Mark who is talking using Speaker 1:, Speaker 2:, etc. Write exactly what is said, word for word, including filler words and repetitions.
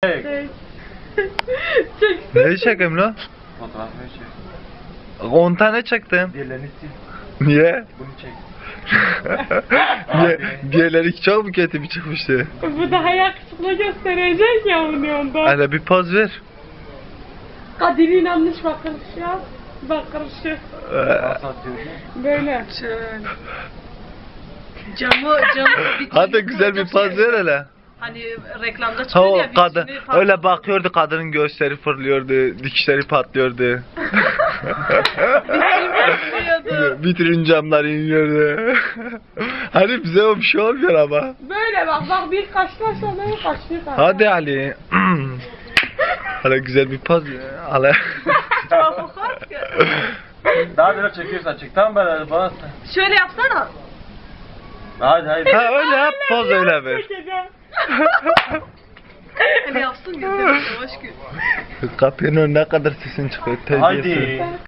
Speaker 1: Çek.
Speaker 2: Çek.
Speaker 3: Neyi çekeyim lan?
Speaker 1: Fotoğrafını çek.
Speaker 3: on tane çektim.
Speaker 1: Diğerlerini sil.
Speaker 3: Niye?
Speaker 1: Bunu çek.
Speaker 3: Niye? Diğerleri çok mu kötü bir çıkmıştı?
Speaker 2: Bu daha yakışıklı gösterecek ya onu ondan.
Speaker 3: Hele bir poz ver.
Speaker 2: Kadir'in yanlış bakışı yap. Bakışı.
Speaker 1: Nasıl atıyorsun?
Speaker 2: Böyle.
Speaker 4: Şöyle. Camı, camı bir
Speaker 3: Hadi
Speaker 4: türlü
Speaker 3: güzel bir
Speaker 4: koyacak
Speaker 3: poz
Speaker 4: şey.
Speaker 3: ver hele.
Speaker 4: Hani reklamda
Speaker 3: Ha
Speaker 4: çıkıyor
Speaker 3: o
Speaker 4: ya.
Speaker 3: kadın
Speaker 4: vitrini falan.
Speaker 3: öyle bakıyordu, kadının göğüsleri fırlıyordu, dikişleri patlıyordu.
Speaker 4: Patlıyordu.
Speaker 3: Vitrin camları iniyordu. Hani bize o bir şey olmuyor ama.
Speaker 2: Böyle bak bak bir kaşlaşla böyle kaşlıyor.
Speaker 3: Hadi Ali. Hala güzel bir poz. Hala.
Speaker 1: Daha neler çekiyorsan çek. Tamam ben bana.
Speaker 4: Şöyle yapsana.
Speaker 1: Hadi hadi.
Speaker 3: Ha öyle yap, poz öyle ver.
Speaker 4: Hani yapsın gösterin yavaş gün.
Speaker 3: Kapının önüne kadar sesin çıkıyor. Terbiyesiz.
Speaker 1: Haydi.